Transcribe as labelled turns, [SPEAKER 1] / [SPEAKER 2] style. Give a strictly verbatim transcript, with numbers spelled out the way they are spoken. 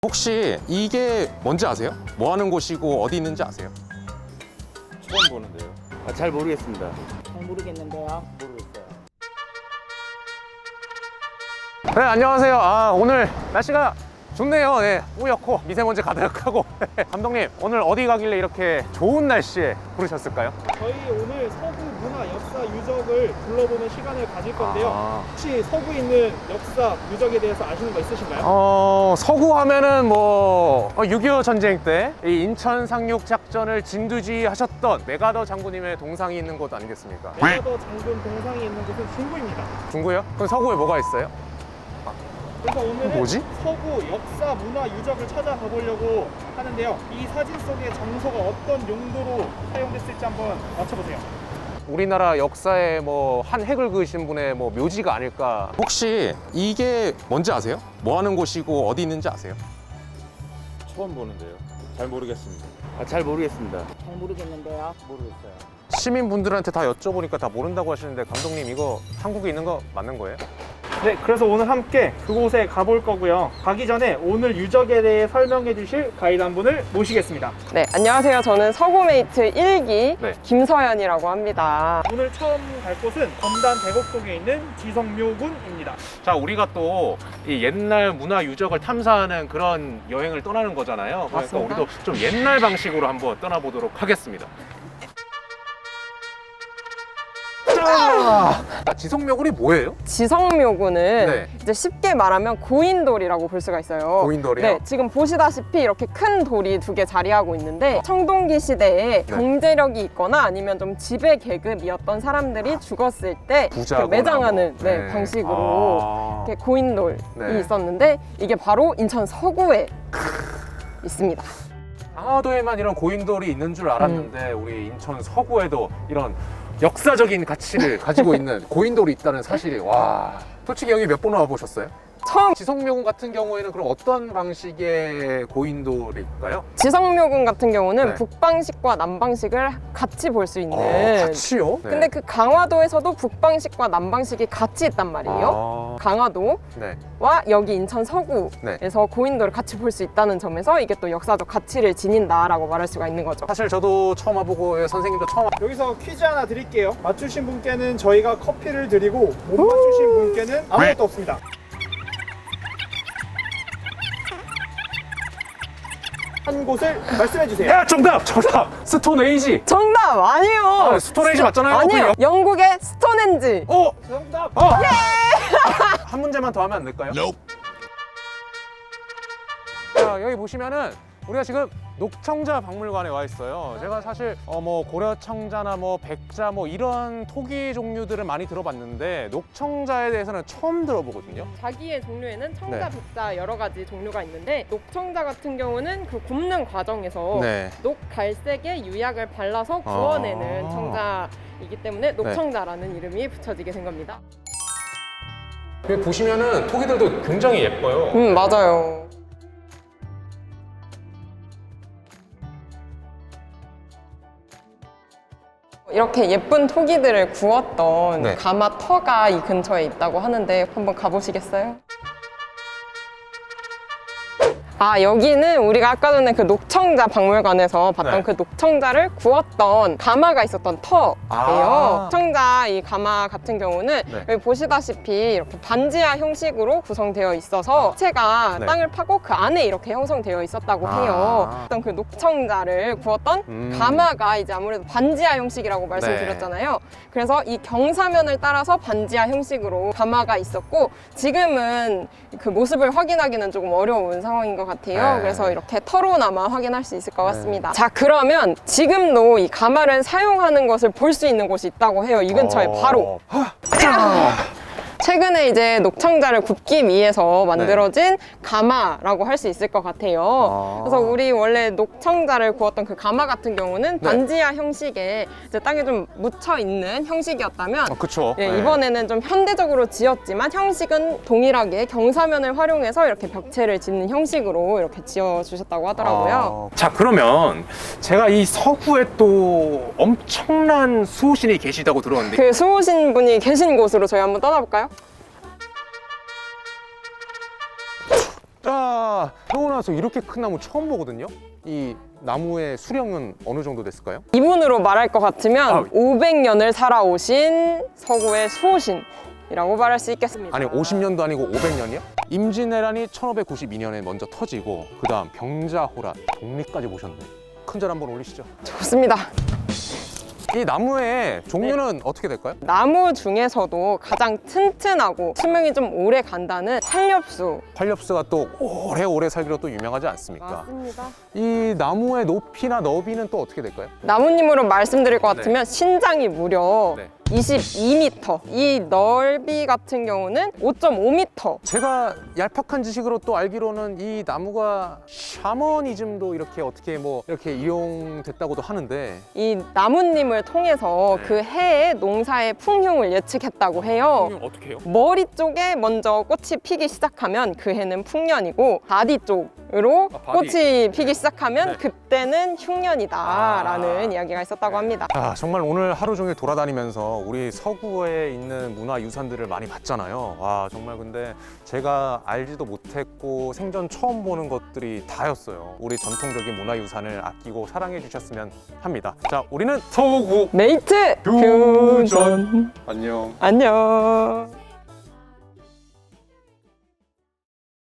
[SPEAKER 1] 혹시 이게 뭔지 아세요? 뭐 하는 곳이고 어디 있는지 아세요?
[SPEAKER 2] 처음 보는데요. 아, 잘 모르겠습니다.
[SPEAKER 3] 잘 모르겠는데요.
[SPEAKER 2] 모르겠어요.
[SPEAKER 1] 네, 안녕하세요. 아, 오늘 날씨가 좋네요. 네, 뿌옇고 미세먼지 가득하고. 감독님, 오늘 어디 가길래 이렇게 좋은 날씨에 부르셨을까요?
[SPEAKER 4] 저희 오늘 서구 문화 역사 유적을 둘러보는 시간을 가질 건데요.
[SPEAKER 1] 아.
[SPEAKER 4] 혹시 서구에 있는 역사 유적에 대해서 아시는 거 있으신가요?
[SPEAKER 1] 어, 서구 하면은 뭐 육이오 전쟁 때 이 인천 상륙 작전을 진두지휘하셨던 메가더 장군님의 동상이 있는 곳 아니겠습니까?
[SPEAKER 4] 메가더 장군 동상이 있는 곳은 중구입니다.
[SPEAKER 1] 중구요? 그럼 서구에 뭐가 있어요?
[SPEAKER 4] 그래서 오늘은
[SPEAKER 1] 뭐지?
[SPEAKER 4] 서구 역사 문화 유적을 찾아가 보려고 하는데요. 이 사진 속의 장소가 어떤 용도로 사용됐을지 한번 맞춰보세요.
[SPEAKER 1] 우리나라 역사에 뭐 한 획을 그으신 분의 뭐 묘지가 아닐까. 혹시 이게 뭔지 아세요? 뭐 하는 곳이고 어디 있는지 아세요?
[SPEAKER 2] 처음 보는데요. 잘 모르겠습니다. 아, 잘 모르겠습니다.
[SPEAKER 3] 잘 모르겠는데요.
[SPEAKER 2] 모르겠어요.
[SPEAKER 1] 시민분들한테 다 여쭤보니까 다 모른다고 하시는데, 감독님 이거 한국에 있는 거 맞는 거예요?
[SPEAKER 4] 네, 그래서 오늘 함께 그곳에 가볼 거고요. 가기 전에 오늘 유적에 대해 설명해 주실 가이드 한 분을 모시겠습니다.
[SPEAKER 5] 네, 안녕하세요. 저는 서구메이트 일 기
[SPEAKER 1] 네.
[SPEAKER 5] 김서연이라고 합니다.
[SPEAKER 4] 오늘 처음 갈 곳은 검단 대곡동에 있는 지성묘군입니다.
[SPEAKER 1] 자, 우리가 또 이 옛날 문화 유적을 탐사하는 그런 여행을 떠나는 거잖아요. 그러니까
[SPEAKER 5] 맞습니다.
[SPEAKER 1] 우리도 좀 옛날 방식으로 한번 떠나보도록 하겠습니다. 자, 지성묘군이 뭐예요?
[SPEAKER 5] 지성묘군은
[SPEAKER 1] 네.
[SPEAKER 5] 이제 쉽게 말하면 고인돌이라고 볼 수가 있어요.
[SPEAKER 1] 고인돌이요?
[SPEAKER 5] 네, 지금 보시다시피 이렇게 큰 돌이 두 개 자리하고 있는데, 청동기 시대에
[SPEAKER 1] 네.
[SPEAKER 5] 경제력이 있거나 아니면 좀 지배 계급이었던 사람들이 죽었을 때
[SPEAKER 1] 부자거나
[SPEAKER 5] 그 매장하는
[SPEAKER 1] 뭐.
[SPEAKER 5] 네,
[SPEAKER 1] 네.
[SPEAKER 5] 방식으로
[SPEAKER 1] 아.
[SPEAKER 5] 이렇게 고인돌이
[SPEAKER 1] 네.
[SPEAKER 5] 있었는데, 이게 바로 인천 서구에 있습니다.
[SPEAKER 1] 강화도에만 이런 고인돌이 있는 줄 알았는데
[SPEAKER 5] 음.
[SPEAKER 1] 우리 인천 서구에도 이런 역사적인 가치를 가지고 있는 고인돌이 있다는 사실이, 와, 솔직히 여기 몇 번 와보셨어요?
[SPEAKER 5] 처음
[SPEAKER 1] 지성묘군 같은 경우에는 그럼 어떤 방식의 고인돌일까요?
[SPEAKER 5] 지성묘군 같은 경우는
[SPEAKER 1] 네.
[SPEAKER 5] 북방식과 남방식을 같이 볼 수 있는.
[SPEAKER 1] 어, 같이요? 네.
[SPEAKER 5] 근데 그 강화도에서도 북방식과 남방식이 같이 있단 말이에요.
[SPEAKER 1] 아,
[SPEAKER 5] 강화도와
[SPEAKER 1] 네.
[SPEAKER 5] 여기 인천 서구에서
[SPEAKER 1] 네.
[SPEAKER 5] 고인돌을 같이 볼 수 있다는 점에서 이게 또 역사적 가치를 지닌다라고 말할 수가 있는 거죠.
[SPEAKER 1] 사실 저도 처음 와보고 선생님도 처음 와...
[SPEAKER 4] 여기서 퀴즈 하나 드릴게요. 맞추신 분께는 저희가 커피를 드리고 못 맞추신 분께는 아무것도 없습니다. 한 곳을 말씀해 주세요.
[SPEAKER 1] 야, 정답! 정답! 스톤에이지!
[SPEAKER 5] 정답 아니에요.
[SPEAKER 1] 아, 스톤에이지 맞잖아요.
[SPEAKER 5] 아니에요.
[SPEAKER 1] 그냥-
[SPEAKER 5] 영국의 스톤헨지.
[SPEAKER 1] 어!
[SPEAKER 4] 정답.
[SPEAKER 1] 어! 한 문제만 더 하면 안 될까요? 자, 여기 보시면은 우리가 지금 녹청자 박물관에 와 있어요. 제가 사실 어 뭐 고려청자나 뭐 백자 뭐 이런 토기 종류들을 많이 들어봤는데 녹청자에 대해서는 처음 들어보거든요.
[SPEAKER 5] 자기의 종류에는 청자,
[SPEAKER 1] 네.
[SPEAKER 5] 백자 여러 가지 종류가 있는데, 녹청자 같은 경우는 그 굽는 과정에서
[SPEAKER 1] 네.
[SPEAKER 5] 녹갈색에 유약을 발라서 구워내는
[SPEAKER 1] 아.
[SPEAKER 5] 청자이기 때문에 녹청자라는 이름이 붙여지게 된 겁니다.
[SPEAKER 1] 여기 보시면은 토기들도 굉장히 예뻐요.
[SPEAKER 5] 음, 맞아요. 이렇게 예쁜 토기들을 구웠던
[SPEAKER 1] 네.
[SPEAKER 5] 가마 터가 이 근처에 있다고 하는데 한번 가보시겠어요? 아, 여기는 우리가 아까 전에 그 녹청자 박물관에서 봤던
[SPEAKER 1] 네.
[SPEAKER 5] 그 녹청자를 구웠던 가마가 있었던 터예요.
[SPEAKER 1] 아.
[SPEAKER 5] 녹청자 이 가마 같은 경우는
[SPEAKER 1] 네.
[SPEAKER 5] 여기 보시다시피 이렇게 반지하 형식으로 구성되어 있어서 체가
[SPEAKER 1] 네.
[SPEAKER 5] 땅을 파고 그 안에 이렇게 형성되어 있었다고
[SPEAKER 1] 아.
[SPEAKER 5] 해요. 어떤 그 녹청자를 구웠던
[SPEAKER 1] 음.
[SPEAKER 5] 가마가 이제 아무래도 반지하 형식이라고 말씀드렸잖아요. 그래서 이 경사면을 따라서 반지하 형식으로 가마가 있었고, 지금은 그 모습을 확인하기는 조금 어려운 상황인 것 같아요.
[SPEAKER 1] 네.
[SPEAKER 5] 그래서 이렇게 터로나마 확인할 수 있을 것 같습니다. 자, 그러면 지금도 이 가마를 사용하는 것을 볼 수 있는 곳이 있다고 해요. 이 근처에
[SPEAKER 1] 어.
[SPEAKER 5] 바로.
[SPEAKER 1] 자.
[SPEAKER 5] 최근에 이제 녹청자를 굽기 위해서 만들어진 가마라고 할 수 있을 것 같아요.
[SPEAKER 1] 아.
[SPEAKER 5] 그래서 우리 원래 녹청자를 구웠던 그 가마 같은 경우는
[SPEAKER 1] 네.
[SPEAKER 5] 반지하 형식의 이제 땅에 좀 묻혀 있는 형식이었다면,
[SPEAKER 1] 어, 그쵸.
[SPEAKER 5] 예,
[SPEAKER 1] 네.
[SPEAKER 5] 이번에는 좀 현대적으로 지었지만 형식은 동일하게 경사면을 활용해서 이렇게 벽체를 짓는 형식으로 이렇게 지어주셨다고 하더라고요.
[SPEAKER 1] 아, 자, 그러면 제가 이 서구에 또 엄청난 수호신이 계시다고 들었는데,
[SPEAKER 5] 그 수호신 분이 계신 곳으로 저희 한번 떠나볼까요?
[SPEAKER 1] 자, 제가 태어나서 이렇게 큰 나무 처음 보거든요. 이 나무의 수령은 어느 정도 됐을까요?
[SPEAKER 5] 이분으로 말할 것 같으면
[SPEAKER 1] 아.
[SPEAKER 5] 오백 년을 살아오신 서구의 수호신이라고 말할 수 있겠습니다.
[SPEAKER 1] 아니 오십 년도 아니고 오백 년이요? 임진왜란이 천오백구십이 년에 먼저 터지고 그 다음 병자호란, 독립까지 보셨네. 큰절 한번 올리시죠.
[SPEAKER 5] 좋습니다.
[SPEAKER 1] 이 나무의 종류는 어떻게 될까요?
[SPEAKER 5] 나무 중에서도 가장 튼튼하고 수명이 좀 오래 간다는 활엽수.
[SPEAKER 1] 활엽수가 또 오래오래 살기로 또 유명하지 않습니까?
[SPEAKER 5] 맞습니다.
[SPEAKER 1] 이 나무의 높이나 너비는 또 어떻게 될까요?
[SPEAKER 5] 나무님으로 말씀드릴 것 같으면 신장이 무려
[SPEAKER 1] 네.
[SPEAKER 5] 이십이 미터, 이 넓이 같은 경우는 오 점 오 미터.
[SPEAKER 1] 제가 얄팍한 지식으로 또 알기로는 이 나무가 샤머니즘도 이렇게 어떻게 뭐 이렇게 이용됐다고도 하는데
[SPEAKER 5] 이 나무님을 통해서
[SPEAKER 1] 네.
[SPEAKER 5] 그 해의 농사의 풍흉을 예측했다고 해요.
[SPEAKER 1] 어떻게 해요?
[SPEAKER 5] 머리 쪽에 먼저 꽃이 피기 시작하면 그 해는 풍년이고 바디 쪽으로
[SPEAKER 1] 아, 바디.
[SPEAKER 5] 꽃이 피기 시작하면
[SPEAKER 1] 네.
[SPEAKER 5] 그때는 흉년이다라는
[SPEAKER 1] 아.
[SPEAKER 5] 이야기가 있었다고
[SPEAKER 1] 네.
[SPEAKER 5] 합니다.
[SPEAKER 1] 아, 정말 오늘 하루 종일 돌아다니면서 우리 서구에 있는 문화유산들을 많이 봤잖아요. 와, 정말 근데 제가 알지도 못했고 생전 처음 보는 것들이 다였어요. 우리 전통적인 문화유산을 아끼고 사랑해 주셨으면 합니다. 자, 우리는 서구
[SPEAKER 5] 메이트
[SPEAKER 1] 교전.
[SPEAKER 5] 교전
[SPEAKER 1] 안녕.
[SPEAKER 5] 안녕.